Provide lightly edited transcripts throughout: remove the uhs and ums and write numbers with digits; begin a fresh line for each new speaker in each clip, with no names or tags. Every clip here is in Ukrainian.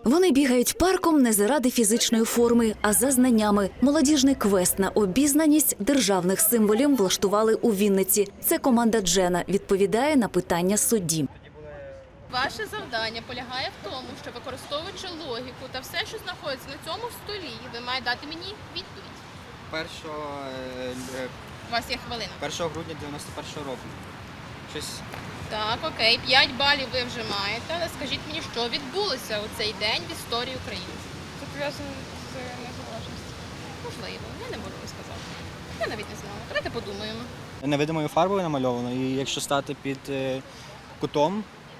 Вони бігають парком не заради фізичної форми, а за знаннями. Молодіжний квест на обізнаність державних символів влаштували у Вінниці. Це команда Джена відповідає на питання судді.
Ваше завдання полягає в тому, що використовуючи логіку та все, що знаходиться на цьому столі, ви маєте дати мені відповідь. У вас є хвилина.
1 грудня 91-го року. Щось...
Так, окей, 5 балів ви вже маєте, але скажіть мені, що відбулося у цей день в історії України?
Це пов'язано з незалежністю.
Можливо, я не можу сказати. Я навіть не знала. Давайте подумаємо.
Невидимою фарбою намальовано, і якщо стати під кутом,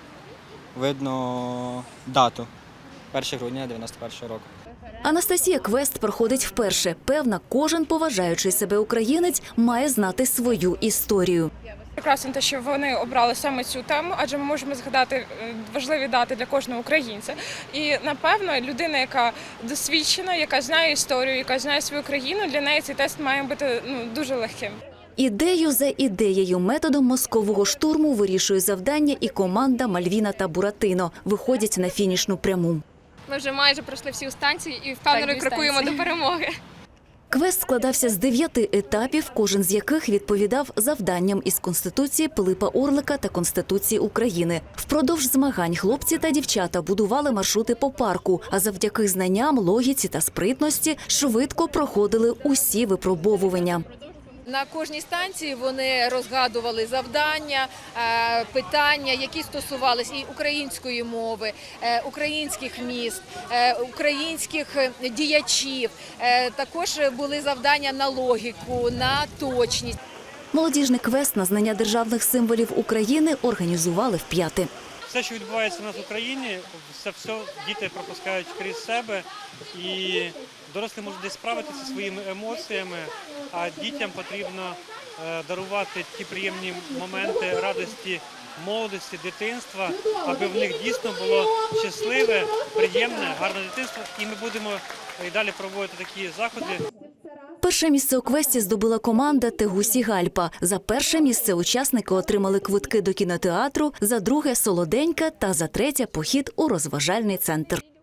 видно дату. 1 грудня 91-го року.
Анастасія квест проходить вперше. Певна, кожен поважаючий себе українець має знати свою історію.
Прекрасно те, що вони обрали саме цю тему, адже ми можемо згадати важливі дати для кожного українця. І, напевно, людина, яка досвідчена, яка знає історію, яка знає свою країну, для неї цей тест має бути дуже легким.
Ідею за ідеєю, методом мозкового штурму вирішує завдання і команда Мальвіна та Буратино. Виходять на фінішну пряму.
Ми вже майже пройшли всі станції і впевнено крокуємо до перемоги.
Квест складався з 9 етапів, кожен з яких відповідав завданням із Конституції Пилипа Орлика та Конституції України. Впродовж змагань хлопці та дівчата будували маршрути по парку, а завдяки знанням, логіці та спритності швидко проходили усі випробовування.
На кожній станції вони розгадували завдання, питання, які стосувалися і української мови, українських міст, українських діячів. Також були завдання на логіку, на точність.
Молодіжний квест на знання державних символів України організували вп'яте.
Все, що відбувається у нас в Україні, це все діти пропускають крізь себе, і дорослі можуть десь справитися зі своїми емоціями, а дітям потрібно дарувати ті приємні моменти радості молодості, дитинства, аби в них дійсно було щасливе, приємне, гарне дитинство. І ми будемо і далі проводити такі заходи.
Перше місце у квесті здобула команда «Тегусі Гальпа». За перше місце учасники отримали квитки до кінотеатру, за друге – солоденька та за третє – похід у розважальний центр.